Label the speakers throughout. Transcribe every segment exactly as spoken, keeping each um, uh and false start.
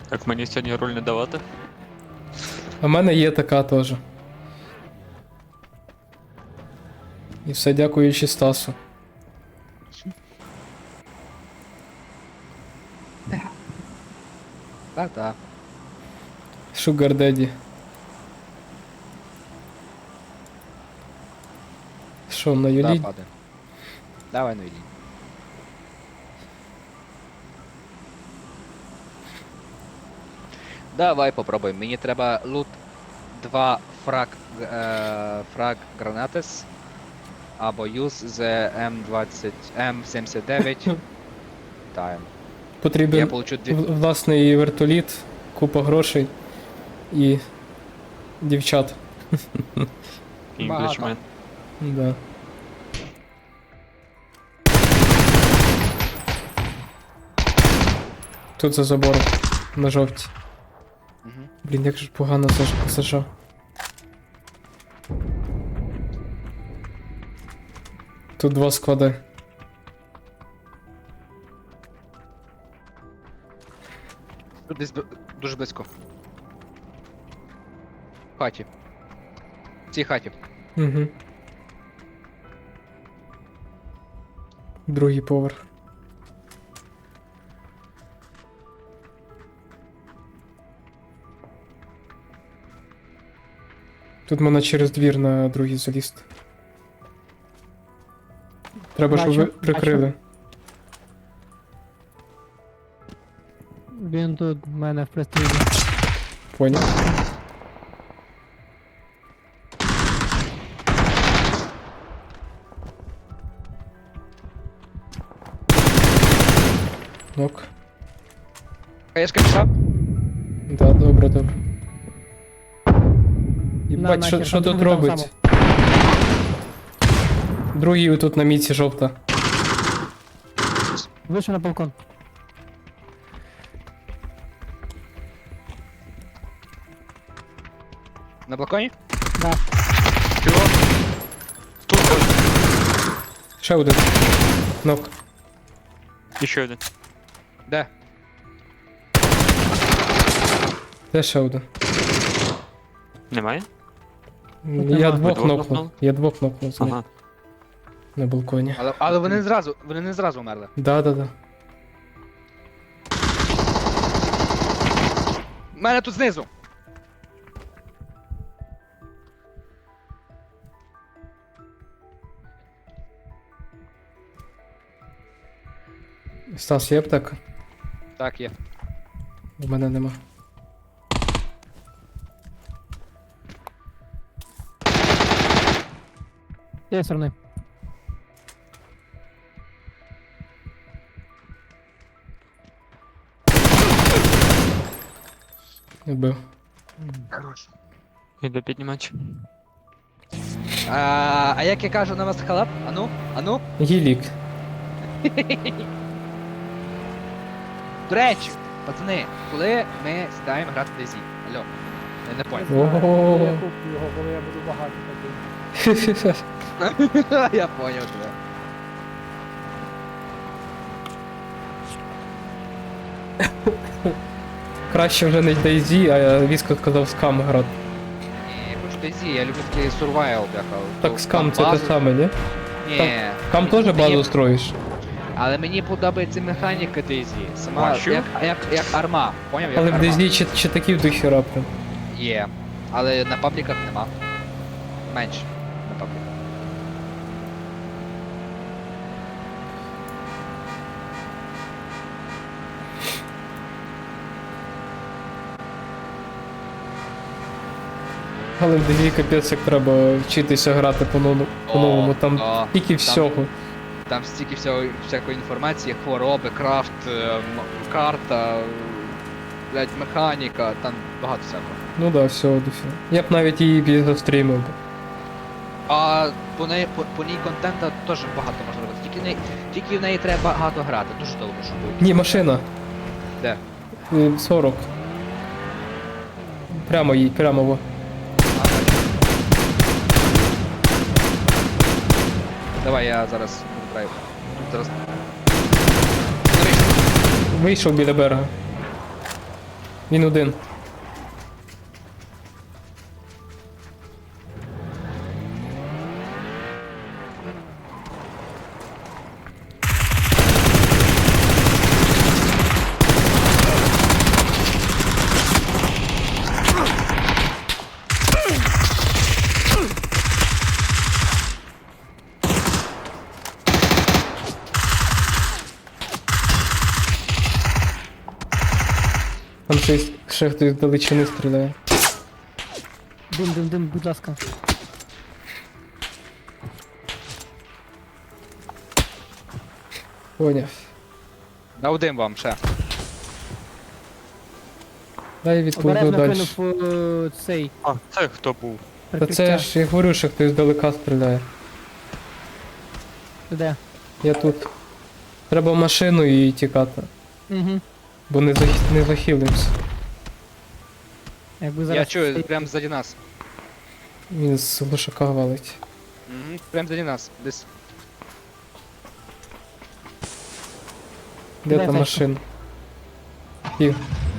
Speaker 1: Так мені сьогодні руль не давати?
Speaker 2: А в мене є така теж. І все дякуючи Стасу.
Speaker 3: Та-та.
Speaker 2: Sugar Daddy. Що, на
Speaker 3: Да,
Speaker 2: Юлі?
Speaker 3: падай. Давай, ну йди. Давай попробуємо. Мені треба лут два фраг, е, фраг гранатес або юз з М двадцять, М сімдесят дев'ять. Тайм. Я
Speaker 2: Потрібен
Speaker 3: получу дві...
Speaker 2: в- власний вертоліт, купа грошей і дівчат.
Speaker 1: Інглішмен.
Speaker 2: Да. Тут за забором. На жовтій.
Speaker 3: Мгм.
Speaker 2: Блін, як же погано це ж зажав. Тут два склади.
Speaker 3: Тут десь б- дуже близько. В хаті. В цій хаті.
Speaker 2: Угу. Другий поверх. Тут можна через двір на другий залізти. Треба, щоб ви
Speaker 4: Бачу,
Speaker 2: прикрили.
Speaker 4: Він тут в мене в пристрілі.
Speaker 2: Поняв? Нок.
Speaker 3: Хаєшка пішла?
Speaker 2: Да, добре, добре.
Speaker 4: На,
Speaker 2: Єбать, що,
Speaker 4: нахер,
Speaker 2: що
Speaker 4: там
Speaker 2: тут
Speaker 4: другий там
Speaker 2: робить? Другий тут на міці жовта.
Speaker 4: Вийшов на балкон.
Speaker 3: На балконі?
Speaker 4: Да.
Speaker 1: Чого? Тут
Speaker 2: Ще один. Нок.
Speaker 1: і ще один.
Speaker 3: Де?
Speaker 2: Де ще один?
Speaker 1: Немає?
Speaker 2: Я
Speaker 4: нема.
Speaker 2: двох
Speaker 1: Ви двох
Speaker 2: нокнув.
Speaker 1: нокнули?
Speaker 2: Я двох нокнув з них
Speaker 1: Ага.
Speaker 2: на балконі.
Speaker 3: Але, але вони не зразу, вони не зразу вмерли.
Speaker 2: Да, да, да.
Speaker 3: У мене тут знизу.
Speaker 2: Стас, є аптека?
Speaker 3: Так, є.
Speaker 2: У мене нема.
Speaker 4: З цієї сторони.
Speaker 2: Вбив.
Speaker 1: Іду піднімати.
Speaker 3: А, а як я кажу на вас халап? Ану? Ану?
Speaker 2: Гілік.
Speaker 3: До речі, пацани, коли ми сідаємо грати в DayZ? Алло, я не понял.
Speaker 2: Ого.
Speaker 4: Я куплю його, коли я буду багатий такий.
Speaker 3: Я понял тебе.
Speaker 2: Краще вже не DayZ, а Віско сказав скам грати.
Speaker 3: Ні, я хочу DayZ, я люблю такий survival, бляха.
Speaker 2: Так скам це те саме, ні?
Speaker 3: Ні.
Speaker 2: Скам теж
Speaker 3: Мені-
Speaker 2: базу строїш.
Speaker 3: Але мені подобається механіка DayZ. Сама
Speaker 1: Бачу.
Speaker 3: як, як, як арма. Поняв? Як
Speaker 2: Але в
Speaker 3: арма.
Speaker 2: DayZ чи, чи такі в духі прям.
Speaker 3: Є. Але на пабліках нема. Менше на пабліках.
Speaker 2: Але в DayZ капець як треба вчитися грати по-новому. по-новому. Там
Speaker 3: О,
Speaker 2: тільки
Speaker 3: там-
Speaker 2: всього.
Speaker 3: Там стільки всього, всякої інформації, хвороби, крафт, е, м- карта, блядь, механіка, там багато всякого.
Speaker 2: Ну да, всього до всього. Я б навіть її застрімив би.
Speaker 3: А по неї по, по ній контента теж багато можна робити. Тільки в неї, тільки в неї треба багато грати, дуже довго щоб буде.
Speaker 2: Ні, машина.
Speaker 3: Де?
Speaker 2: Е, сорок. Прямо їй, прямо во.
Speaker 3: А, бачу. Давай я зараз драйв. Тут зараз. Дивись,
Speaker 2: Вийшов біля берега. Він один. Там щось ще хтось з далечини стріляє.
Speaker 4: Дим, дим, дим, будь ласка.
Speaker 2: Поняв.
Speaker 3: Дав дим вам ще.
Speaker 2: Дай відповіду
Speaker 4: Обережно
Speaker 2: далі.
Speaker 4: кинув е, цей
Speaker 1: А, це хто був?
Speaker 2: Та
Speaker 4: прикриття.
Speaker 2: це ж я говорю, що хтось здалека стріляє.
Speaker 4: Де?
Speaker 2: Я тут. Треба в машину і тікати.
Speaker 4: Угу.
Speaker 2: Бо не, зах... не захилимось.
Speaker 4: Якби зараз...
Speaker 3: Я чую,
Speaker 4: цей-
Speaker 3: прям ззаді нас.
Speaker 2: Він з глушака валить.
Speaker 3: Угу. Прям ззаді нас. Десь.
Speaker 2: Де
Speaker 4: Де
Speaker 2: та
Speaker 4: Федько?
Speaker 2: машина? Ті.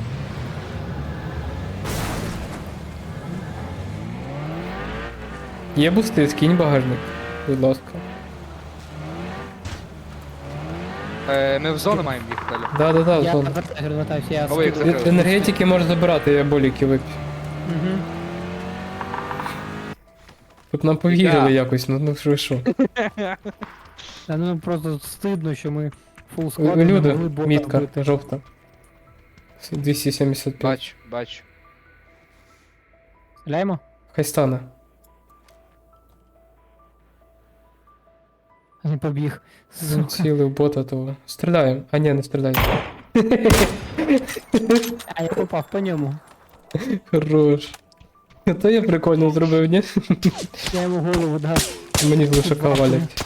Speaker 2: Є бусти, скинь багажник, будь ласка.
Speaker 3: Е, ми в зону маємо їхати. далі.
Speaker 2: Да-да-да,
Speaker 4: Я
Speaker 2: зон.
Speaker 4: вертаюся, вертаюся, я
Speaker 3: Ой, як
Speaker 4: скидую.
Speaker 3: закрив.
Speaker 2: Енергетики можеш забирати, я боліки вип'ю.
Speaker 4: Угу.
Speaker 2: Тут нам повірили
Speaker 3: Я.
Speaker 2: якось, ну, ну що ви що.
Speaker 4: Та ну просто стидно, що ми фул
Speaker 2: У-
Speaker 4: склад
Speaker 2: у
Speaker 4: не
Speaker 2: Люди,
Speaker 4: могли бота
Speaker 2: мітка,
Speaker 4: вбити.
Speaker 2: жовта. двісті сімдесят п'ять.
Speaker 3: Бачу, бачу.
Speaker 4: Стріляємо?
Speaker 2: Хай стане.
Speaker 4: Не побіг.
Speaker 2: Він
Speaker 4: Сука.
Speaker 2: цілий бота того. Стріляємо. А ні, не стріляй.
Speaker 4: А я попав по ньому.
Speaker 2: Хорош. То я прикольно зробив, ні?
Speaker 4: Я йому голову дав.
Speaker 2: Мені з лишака валять.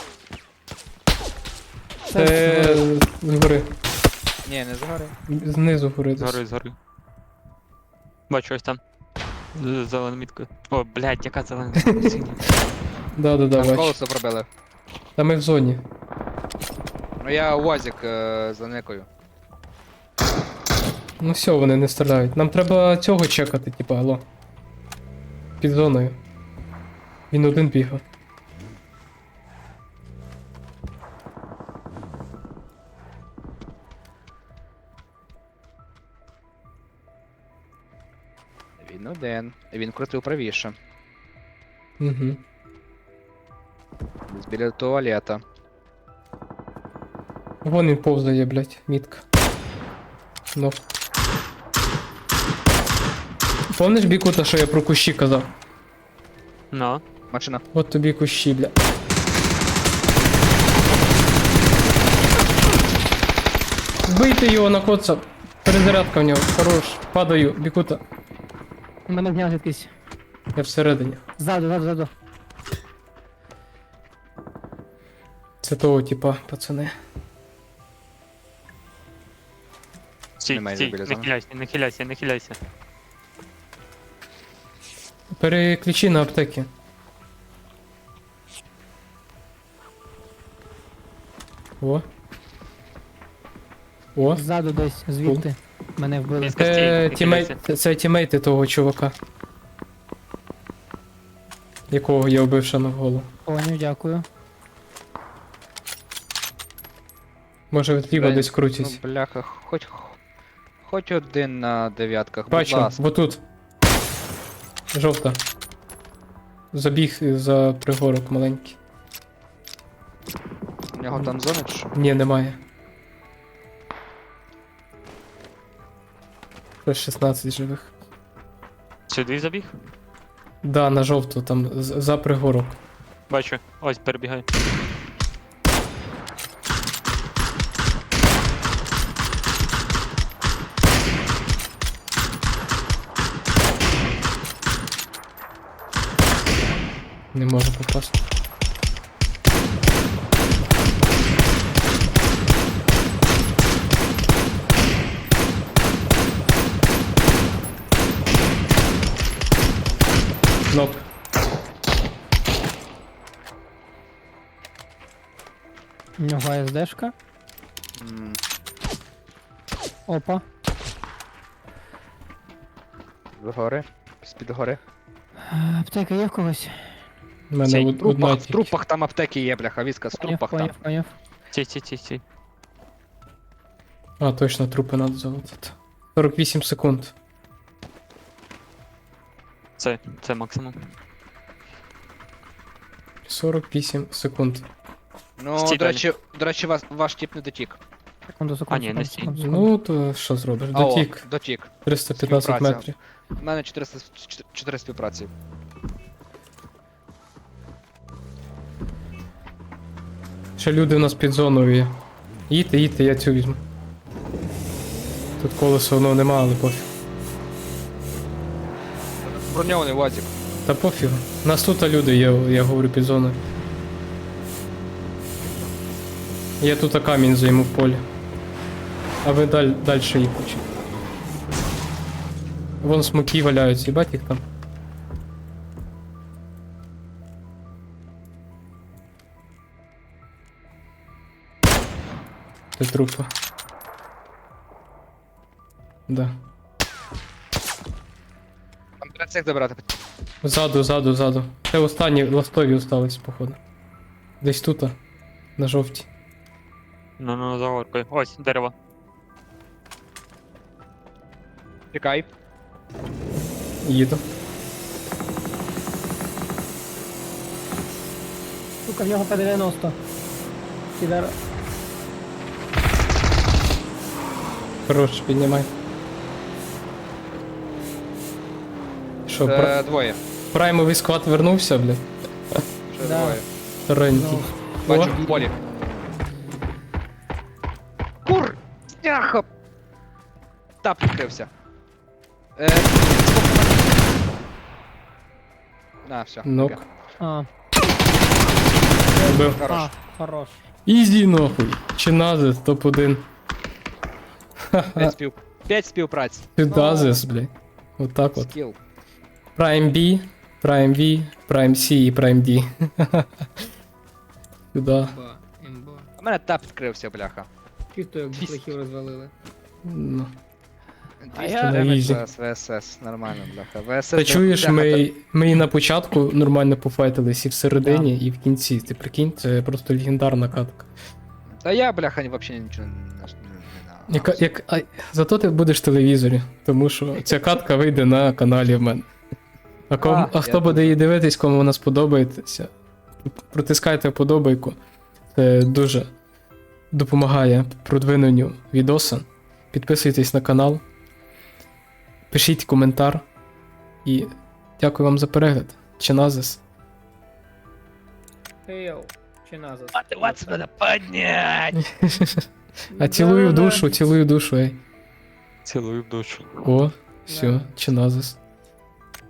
Speaker 2: Це згори.
Speaker 3: Ні, не згори.
Speaker 2: Знизу гори. десь.
Speaker 1: Згори, згори. Бачу, ось там. З зеленою міткою. О, блядь, яка зелена мітка? Синя.
Speaker 2: Да-да-да,
Speaker 3: Там
Speaker 2: бач.
Speaker 3: колесо пробили.
Speaker 2: Та ми в зоні.
Speaker 3: Ну я УАЗик е, за некою.
Speaker 2: Ну все, вони не стріляють. Нам треба цього чекати, типа, алло. Під зоною. Він один бігав.
Speaker 3: Він один. Він крутив правіше.
Speaker 2: Угу.
Speaker 3: Десь біля туалета.
Speaker 2: Вон він повзає, блядь, мітка. Ну. Помниш, Бікута, що я про кущі казав?
Speaker 1: Ну.
Speaker 3: Машина.
Speaker 2: От тобі кущі, бля. Вбийте його на коца. Перезарядка в нього. Хорош. Падаю, Бікута.
Speaker 4: Мене зняв якийсь.
Speaker 2: Я всередині.
Speaker 4: Ззаду, ззаду, ззаду.
Speaker 2: Це того, типа, пацани.
Speaker 1: Стій,
Speaker 3: Немає
Speaker 1: стій,
Speaker 3: біля
Speaker 1: не
Speaker 3: зони.
Speaker 1: хиляйся, не хиляйся, не хиляйся.
Speaker 2: Переключи на аптеки. О. О.
Speaker 4: Ззаду десь, звідти. Мене вбили.
Speaker 1: Мітка, стій,
Speaker 2: Це,
Speaker 1: не
Speaker 2: тімей...
Speaker 1: хиляйся.
Speaker 2: це тімейти того чувака. Якого я вбив ще на голову.
Speaker 4: Поняв, дякую.
Speaker 2: Може зліва
Speaker 3: Блін,
Speaker 2: десь крутять.
Speaker 3: Ну, бляха, хоч. Хоч один на дев'ятках,
Speaker 2: Бачу,
Speaker 3: будь ласка.
Speaker 2: бо тут. Жовта. Забіг за пригорок маленький.
Speaker 3: У нього там зона чи що?
Speaker 2: Ні, немає. Ще шістнадцять живих.
Speaker 1: Сюди забіг?
Speaker 2: Да, на жовту, там з- за пригорок.
Speaker 1: Бачу, ось перебігай.
Speaker 2: Не можу попасти. Нок.
Speaker 4: У нього АСДшка.
Speaker 3: М,
Speaker 4: Опа.
Speaker 3: Згори. З-під гори.
Speaker 4: Е, Аптека є в когось?
Speaker 2: У мене
Speaker 1: Цей
Speaker 2: од-
Speaker 3: В трупах,
Speaker 2: одна
Speaker 3: в
Speaker 2: тільки.
Speaker 3: трупах там аптеки є, бляха, віска, з
Speaker 4: Поняв,
Speaker 3: трупах там.
Speaker 4: поняв, поняв.
Speaker 1: Ці, ці, ці, ці.
Speaker 2: А, точно, трупи треба залутати. сорок вісім секунд.
Speaker 1: Це, це максимум.
Speaker 2: сорок вісім секунд.
Speaker 3: Ну,
Speaker 1: Стій
Speaker 3: до
Speaker 1: далі.
Speaker 3: речі, до речі, вас, ваш тіп не дотік.
Speaker 4: Секунду, секунду,
Speaker 1: А, ні, не
Speaker 4: секунду,
Speaker 1: стій.
Speaker 4: секунду, секунду.
Speaker 2: Ну, то що зробиш?
Speaker 3: А, о,
Speaker 2: Дотік.
Speaker 3: дотік.
Speaker 2: триста п'ятнадцять
Speaker 3: співпраця.
Speaker 2: метрів.
Speaker 3: У мене чотириста чотири співпраці.
Speaker 2: Ще люди у нас під зоною є. Їдьте, їдьте, я цю візьму. Тут колесо воно нема, але пофіг.
Speaker 3: Броньований вазик.
Speaker 2: Та пофіг. У нас тут люди є, я говорю, під зоною. Я тут камінь займу в полі. А ви даль, далі їх учіть. Вон смоки валяються, їбать їх там. Це трупи. Да.
Speaker 3: Там треба цих добирати.
Speaker 2: Ззаду, ззаду, ззаду. Це останні ластові остались, походу. Десь тут, на жовтій.
Speaker 1: Ну, ну, за горкою. Ось, дерево.
Speaker 3: Чекай.
Speaker 2: Їду.
Speaker 4: Сука, в нього П дев'яносто. Підар.
Speaker 2: Хорош, піднімай. Що, пра...
Speaker 3: Е, двоє.
Speaker 2: праймовий склад вернувся, блядь?
Speaker 3: Ще
Speaker 4: Да.
Speaker 3: двоє.
Speaker 2: Старенький.
Speaker 4: Ну,
Speaker 3: Бачу,
Speaker 2: О.
Speaker 3: в полі. Кур! Сняха! Тап відкрився. Е, На, все.
Speaker 2: Нок.
Speaker 3: таке.
Speaker 4: А,
Speaker 2: Бив.
Speaker 3: Хорош.
Speaker 4: а, хорош.
Speaker 2: Ізі, нахуй. Чиназис, топ один.
Speaker 3: П'ять спів... П'ять співпраць.
Speaker 2: Чиназис, блядь. Отак от.
Speaker 3: Скіл.
Speaker 2: Prime B, Prime V, Prime C і Prime D. Сюда.
Speaker 5: Імба.
Speaker 3: У мене тап відкрився, бляха.
Speaker 5: Чисто як
Speaker 3: Двісті.
Speaker 5: плохів розвалили.
Speaker 2: Ну.
Speaker 4: А
Speaker 3: двісті
Speaker 4: я-
Speaker 3: демедж
Speaker 2: Ізі.
Speaker 3: зараз ВСС. Нормально, бляха. ВСС.
Speaker 2: Та чуєш,
Speaker 3: бляха,
Speaker 2: ми, ми і на початку нормально пофайтились, і всередині, і в кінці. Ти прикинь, це просто легендарна катка.
Speaker 3: Та я, бляха, взагалі нічого не... не- не-
Speaker 2: Яка, як, а, зато ти будеш в телевізорі, тому що ця катка вийде на каналі в мене. А, ком,
Speaker 3: А,
Speaker 2: а хто
Speaker 3: я
Speaker 2: буде
Speaker 3: дуже.
Speaker 2: її дивитись, кому вона сподобається, протискайте вподобайку. Це дуже допомагає продвиненню відоса. Підписуйтесь на канал, пишіть коментар. І дякую вам за перегляд. Чиназис.
Speaker 5: Йоу, чи назад?
Speaker 3: Мотивація надо піднять!
Speaker 2: А цілую в душу, цілую в душу, ей.
Speaker 1: Цілую в душу.
Speaker 2: О, все,
Speaker 5: Да.
Speaker 2: чиназис.